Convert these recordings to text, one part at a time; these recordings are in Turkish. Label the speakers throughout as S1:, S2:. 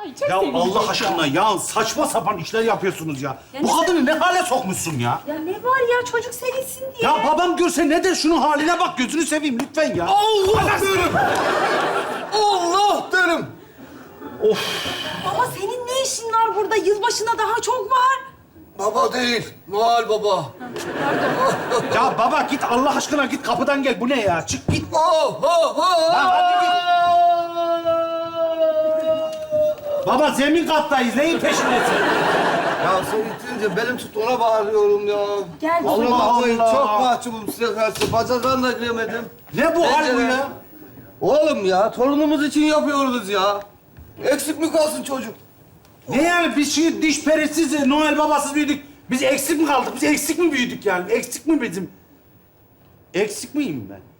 S1: Ay, çok
S2: Ya
S1: sevinecek
S2: Allah aşkına ya saçma sapan işler yapıyorsunuz ya. Bu kadını ne hale sokmuşsun ya?
S1: Ya ne var ya çocuk sevinsin diye.
S2: Ya babam görse ne der? Şunun haline bak, gözünü seveyim lütfen ya.
S3: Allah derim. Allah derim.
S1: Baba senin ne işin var burada? Yılbaşına daha çok var.
S3: Baba değil, Noel Baba.
S2: Ya baba git Allah aşkına git kapıdan gel. Bu ne ya? Çık git.
S3: Oh, oh, oh.
S2: Lan hadi git. Baba zemin kattayız. Neyin peşindesin?
S3: Ya sen itince benim tut ona bağırıyorum ya.
S1: Gel baba.
S3: Kusura
S2: Allah
S3: bakmayın,
S2: Allah.
S3: çok mahcubum size karşı. Bacaklarına da giremedim.
S2: Ne bu hal bu ya?
S3: Oğlum ya, torunumuz için yapıyoruz ya. Eksik mi kalsın çocuk?
S2: Ne yani biz şimdi diş perisiz, Noel babasız büyüdük. Biz eksik mi kaldık? Biz eksik mi büyüdük yani? Eksik mi bizim? Eksik miyim ben?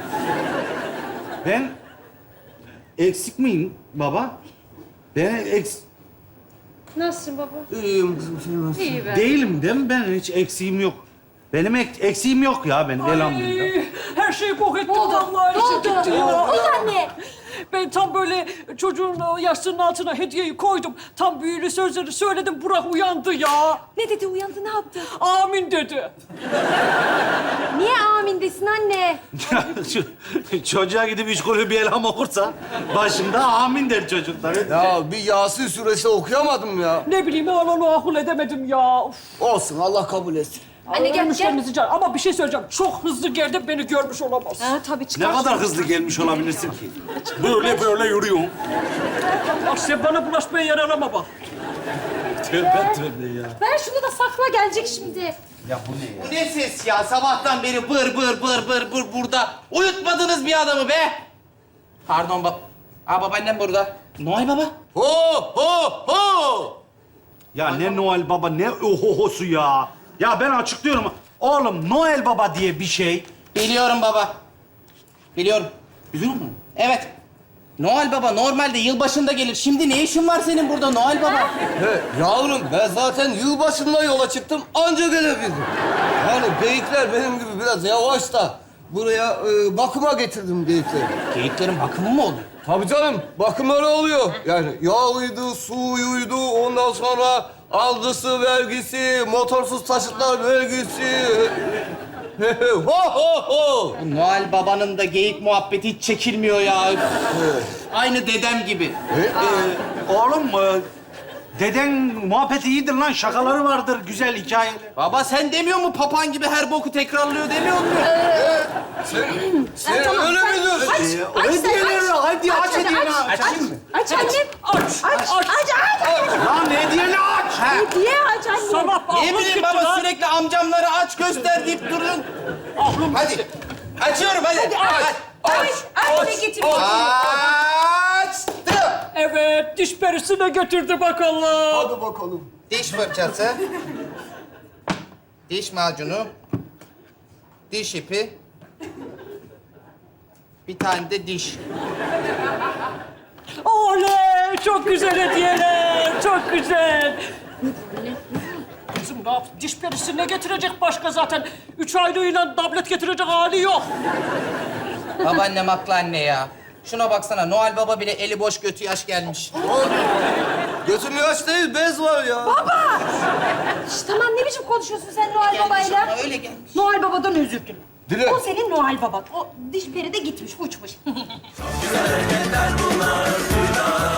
S2: Ben eksik miyim baba? Ben
S1: Nasılsın baba?
S3: İyiyim kızım, sen nasılsın?
S1: İyi be.
S2: değilim değil mi? Ben hiç eksiğim yok. Benim eksiğim yok ya benim elhamdülillah.
S4: Her şeyi bok ettim
S1: Ne oldu?
S4: vallahi.
S1: Ne oldu?
S4: gitti
S1: Ne
S4: ya.
S1: oldu anne?
S4: Ben tam böyle çocuğun yastığının altına hediyeyi koydum. Tam büyülü sözleri söyledim. Burak uyandı ya.
S1: Ne dedi uyandı ne yaptı?
S4: Amin dedi.
S1: Niye amin desin anne?
S2: Çocuğa gidip üç kulü bir elham okursa başında amin der çocuklar.
S3: Ya bir Yasin suresi okuyamadım ya.
S4: Ne bileyim ben onu akıl edemedim ya. Uf.
S3: Olsun, Allah kabul etsin.
S1: Anne gel,
S4: Müşterimizi çağır. Ama bir şey söyleyeceğim. Çok hızlı geldi beni görmüş olamaz.
S1: Ha tabii
S2: Ne
S1: çıkar.
S2: kadar hızlı gelmiş olabilirsin ki? Böyle yürüyorum.
S4: Bak sen bana bulaşmaya yer arama bak.
S2: Tövbe tövbe ya.
S1: Ver şunu da sakla gelecek şimdi.
S2: Ya bu ne ya?
S5: Bu ne ses ya? Sabahtan beri bır burada. Uyutmadınız bir adamı be. Pardon babaannem burada. Noel Baba.
S3: Ho, ho, ho!
S2: Ya ne Noel Baba ne ohohosu ya. Ya ben açıklıyorum. Oğlum Noel Baba diye bir şey.
S5: Biliyorum baba. Biliyorum.
S2: Biliyor musun?
S5: Evet. Noel Baba normalde yılbaşında gelir. Şimdi ne işin var senin burada Noel Baba?
S3: He, yavrum ben zaten yılbaşında yola çıktım, anca gelebildim. Yani geyikler benim gibi biraz yavaş da buraya bakıma getirdim geyikleri.
S5: Geyiklerin bakımı mı oluyor?
S3: Tabii canım, bakımları oluyor. Yani yağıydı, suyuydu, ondan sonra algısı, vergisi, motorsuz taşıtlar vergisi. Ho ho ho!
S5: Bu Noel Baba'nın da geyik muhabbeti hiç çekilmiyor ya. Aynı dedem gibi.
S2: Oğlum deden muhabbeti iyidir lan. Şakaları vardır, güzel hikayeler.
S5: Baba sen demiyor mu papan gibi her boku tekrarlıyor demiyor mu?
S3: Sen
S1: tamam,
S3: öyle
S1: sen-
S3: mi diyorsun?
S1: Aç sen,
S2: Hediyeleri, hadi aç hediyeni.
S5: Açayım mı?
S1: Aç annem. Aç.
S2: Lan hediyeni aç.
S1: Hediye aç anne.
S4: Sabah
S5: Ne
S4: aklım
S5: bileyim
S4: gitti
S5: baba
S4: lan.
S5: sürekli amcamları aç göster deyip durun.
S4: Aklım
S5: Hadi. Açıyorum hadi. Aç.
S1: Aç ne getir?
S5: Açtım.
S4: Evet, diş perisine götürdü bakalım.
S3: Hadi bakalım.
S5: Diş fırçası. Diş macunu. Diş ipi. Bir tane de diş.
S4: Oley! Çok güzel hediyeler, çok güzel. Kızım ne yap? Diş perisi ne getirecek başka zaten? 3 aylığıyla tablet getirecek hali yok.
S5: Babaannem haklı anne ya. Şuna baksana Noel Baba bile eli boş götü yaş gelmiş.
S3: Götüm yaş değil, bez var ya.
S1: Şş, tamam ne biçim konuşuyorsun sen Noel
S5: Gelmiş
S1: Baba'yla?
S5: ama öyle gelmiş.
S1: Noel Baba'dan özür dile.
S3: Dile.
S1: O senin Noel Baban. O diş peri de gitmiş, uçmuş.
S6: Güzel hareketler bunlar,